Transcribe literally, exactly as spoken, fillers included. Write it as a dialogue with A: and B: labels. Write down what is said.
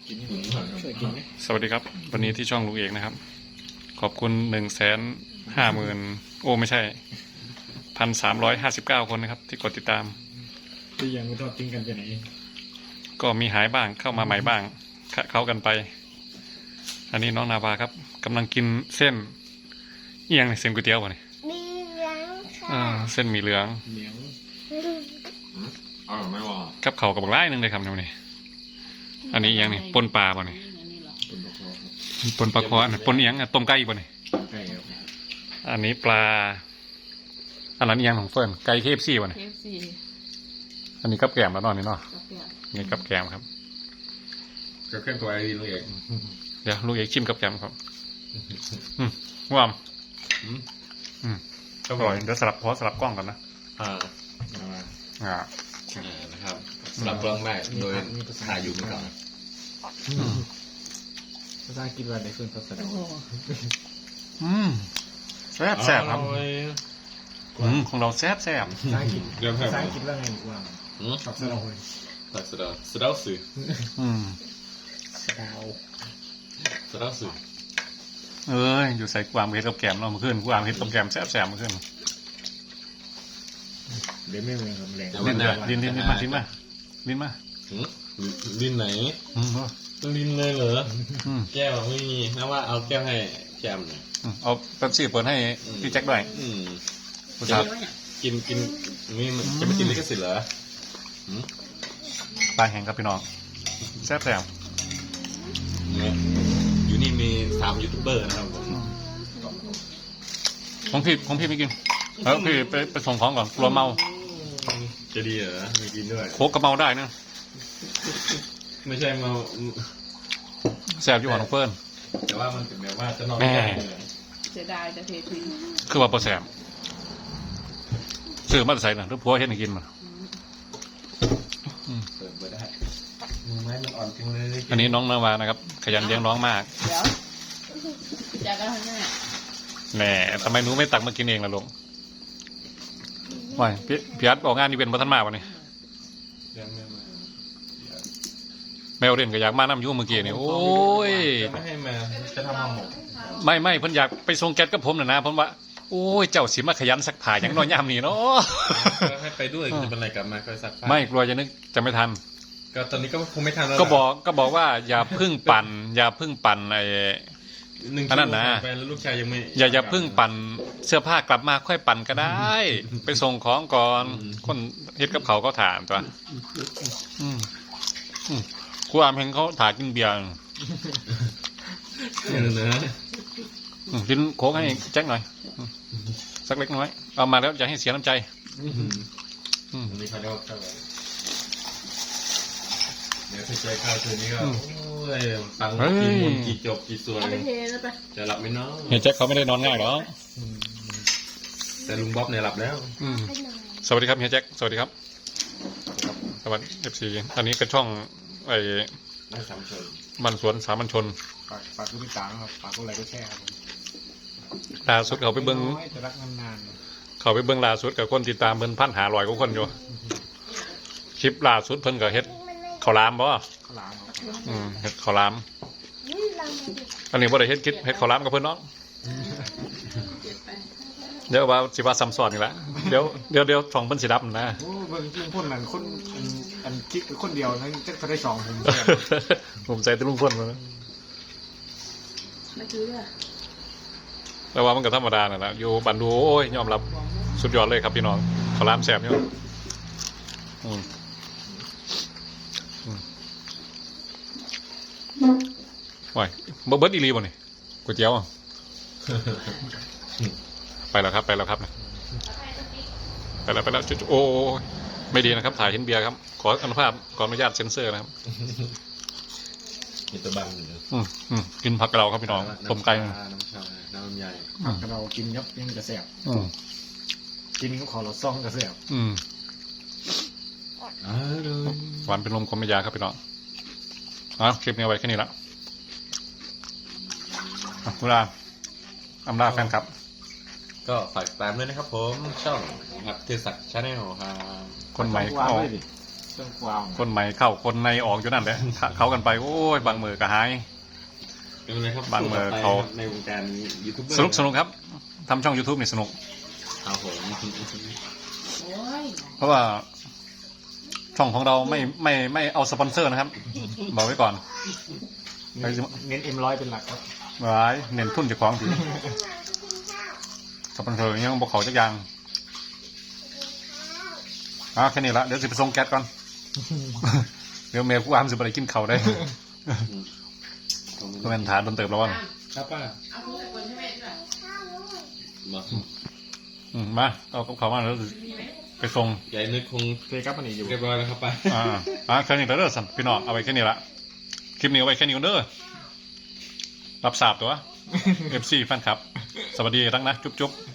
A: สวัสดีครับวันนี้ที่ช่องลุงเอกนะครับขอบคุณหนึ่งแสนห้าหมื่นโอ้ไม่ใช่พันสามร้อยห้าสิบเก้าคนนะครับที่กดติดตาม
B: ที่ยังไม่ทอดทิ้งกันไปไหน
A: ก็มีหายบ้างเข้ามาใหม่บ้างขะเข้ากันไปอันนี้น้องนาวาครับกำลังกินเส้นเอียงเส้นก๋วยเตี๋ยววะนี่
C: มีเหลือง
A: อ่า
C: ค่ะ
A: เส้นหมี่เหลือง
B: เหนียว
D: อร่อยไหมวะ
A: กับเขาวกับบักไล่นึงเลยครับนี่อันนี้เอียงนี่ปนปลาป่ะนี่ปนปลาคออันปนเอียงต้มไก่ป่ะนี่
B: ไก่ครับ
A: อันนี้ปลาอันนั้นเอียงของเฟิร์นไก่เคฟซีป่ะนี่อันนี้กับแกมแล้วนอนนี่เนาะนี่กับแกมครับ
D: ก็เครื่องตัวไอ้ดีลูกเอก
A: เดี๋ยวลูกเอกชิมกับแกมครับอืมว่ามอืมอร่อยเดี๋ยวสลับพอสลับกล้องก่อนนะ
D: อ่า
A: อ่า
D: นะครับสลับกล้องได้โดยถ่ายอยู่เมื่อก่อน
B: ภาษาอังกฤษว่าได้เพิ่มภาษา
A: อืมแซ่บแซ่บครับอืมของเราแซ่บแซ่บ
B: ภาษาอังกฤษภาษาอังกฤษว่าไงว่าสับสนเลย
D: สับสนสะดาวสื่อ
A: อืม
B: สะดาว
D: สะดาวสื่อ
A: เอ้ยอยู่ใส่กวางเห็ดกับแกมเราเมื่อคืนกวางเห็ดกับแกมแซ่บแซ่บเมื่อคืน
B: เดี๋ยวไม่เหมือนกับแรง
A: ลิ้นลิ้นลิ้นมาลิ้นมาลิ้นมา
D: ลิ้นไหนลิ้นเลยเหรอแก้วไม่มีนะว่าเอาแก้วให้แจมหน่อย
A: เอาแป๊บซี่เปิดให้พี่แจ็คด้วย
D: ผู้ชายกินกินนี่จะไม่กินลิขสิทธิ์เหรอ
A: ปลาแห้งครับพี่น้องแซ่บแซ่บ
D: อยู่นี่มีสามยูทูบเบอร์นะครับ
A: ของพี่ของพี่ไม่กินแล้วพี่ไปไปส่งของก่อนกลัวเมา
D: จะดีเหรอไม่กินด้วย
A: โคกกระเมาได้นะ
D: ไม่ใช่เมา
A: แซ่บอยู่หัวน้องเฟิร์น
D: แต่ว่ามันถึงแม้ว่าจะนอน
A: ไม่ได้
C: เสียดายจะเททิ้ง
A: คือว่าโปรแซมซื้อมาใส่หน่อยทุกพัวเห็นกินมา
D: เปิดไม่ได้มือไม้มันอ่อนจริงเลย
A: อันนี้น้องนาวานะครับขยันเลี้ยงน้องมาก
C: เดี๋ยวอยากกันทั้งนั้น
A: แหน่ทำไมหนูไม่ตักมากินเองล่ะลุงไม่พี่พี่อัดออกงานอีเวนต์มาท่านมาวันนี้แมวเรียนก็อยากมาน้ำยุ่งเมื่อกี้นี่โอ้ย
D: ไม่ให้มาจะทำมาหมก
A: ไม่ไม่เพิ่นอยากไปส่งแก๊สกับผมน่ะนะเพราะว่าโอ้ยเจ้าสิมาขยันซักผ้าอย่างน้อยยามนี้เนาะ
D: ให้ไปด้วยจะเป็นไรกลับมาก็ซักผ้า
A: ไม่กลัวจะนึกจะไม่ทัน
D: ก็ตอนนี้ก็คงไม่ทันแล้ว
A: ก็บอกก็บอกว่าอย่าพึ่งปั่นอย่าพึ่งปั่นไอ้อันนั้นนะ
D: ลูกชายยังไม่
A: อย่าอย่าพึ่งปั่นเสื้อผ้ากลับมาค่อยปั่นก็ได้ไปส่งของก่อนคนเฮ็ดกับเขาก็ถามตัวอืมอืมกูอามเห็นเขาถ่ายกินเบียร์
D: นะ
A: กินโค้กให้แจ็คหน่อยสักเล็กน้อยเอามาแล้วอย่าให้เสียน้ำใจ
D: นี่เขาเรียกว่าเดี๋ยวใส่ใจข้าวคืนนี้ก็โอ้ยฟังกี่มนกี่จบกี่ส่วนจะหลับไม่นอน
A: เฮียแจ็คเขาไม่ได้นอนง่ายหรอ
D: แต่ลุงบ๊อบเนี่ยหลับแล้ว
A: สวัสดีครับเฮียแจ็คสวัสดีครับสวัสดีเอฟซีอันนี้เป็นช่องไอ้บ้านสวนสามัญชน
B: ฝากฝากผู้ติดตามครับฝากผู้ไลค์ก็แชร์ครับ
A: ล่าสุดเขาไปเบิ้งเขาไปเบิ้งล่าสุดกับคนติดตามเพิ่นพันหาลอยกว่าคนอยู่คลิปล่าสุดเพิ่นกับเฮ็ดข้าวหลามบ่
B: ข้าวหลาม
A: อืมเฮ็ดข้าวหลามอันนี้บ่ได้เฮ็ดคลิปเฮ็ดข้าวหลามกับเพิ่นเนาะเดี๋ยวว่าสิว่าซ้ำซ้อนอีกแล้วเดี๋ยวเดี๋ยวเดี๋ยวช่องเพิ่นสิดับนะ
B: โอ้เบิ่งจริงคนนั้นคนอันคลิปคนเดียวทั้งจักได้สองผม
A: ผมใจแต่ลุงพ่นมา
C: ไม่คือเลย
A: แต่ว่ามันก็ธรรมดาน่ะนะอยู่บันดูโอ้ยยอมรับสุดยอดเลยครับพี่น้องข้าวหลามแซ่บเนี่ยอืมว้ายเบิร์ดอีรีบ่นี่ก๋วยเตี๋ยวไปแล้วครับไปแล้วครับไปแล้วไปแล้วโอ้ไม่ดีนะครับถ่ายเห็นเบียร์ครับขออนุภาพขออนุญาตเซ็นเซอร์นะครับ
D: กินตะบัง
A: อืมอืมกินผักกระเดาครับพี่น้องต้มไก่
D: น้ำชาน้ำใหญ่
B: ผักกระเดากินยับยังกระแสบกินก็ขอเราซ่องกระแสบ
A: อืมหวานเป็นลมคมไม่ยาครับพี่น้องอ่ะคลิปนี้ไว้แค่นี้ละคุณอาอำลาแฟนครับ
D: ก็ฝากตามด้วยนะครับผมช่องครับเทศักดิ์ชาแนลครับ
A: คนใหม่เข้า
B: เครื่องความ
A: คนใหม่เข้าคนในออกอยู่นั่นแหละเขากันไปโอ้ยบางมือก็หาย
D: เป็นไงครับ
A: บางเมื่อ
D: สู้ต่ไป
A: เขา
D: ครับในวงการยูทูบเบอร์
A: สนุกสนุกครับทำช่อง YouTube นี่สนุก
D: ครับผม
C: โอ้ย
A: เพราะว่าช่องของเราไม่ไม่ไม่เอาสปอนเซอร์นะครับ บอกไว้ก่อน
B: เน้นเน้นเอ็มร้อยเป็นหลักครับ
A: ไว้เน้นทุนเจ้าของทีสปอนเซอร์ยังบอกเขาจักอย่างอ่ะแค่นี้ละเดี๋ยวสิไปส่งแก๊สก่อน เดี๋ยวเมย์ผู้อามสิบอะไรกินเขาวได้ก็เป็นฐานโดนเติบแล้ววะ
D: ครับป้า
C: เอาลูกไปคนใช่ไหมด้วย
D: มา
A: อืมมาเอากับเขามาแล้ว
C: มีไหม
A: ไปส่ง
D: ใหญ่นึกคง
B: เคยครับมันนี้อยู่
D: เรียบร้อยแล้วครับป้า
A: อ่าอ่าแค่นี้แล้วเด้อสันพี่น้องเอาไว้แค่นี้ละคลิปนี้เอาไว้แค่นี้ก่อนเด้อรับทราบตัว เอฟซีแฟนคลับ สวัสดีทั้งนะ จุ๊บจุ๊บ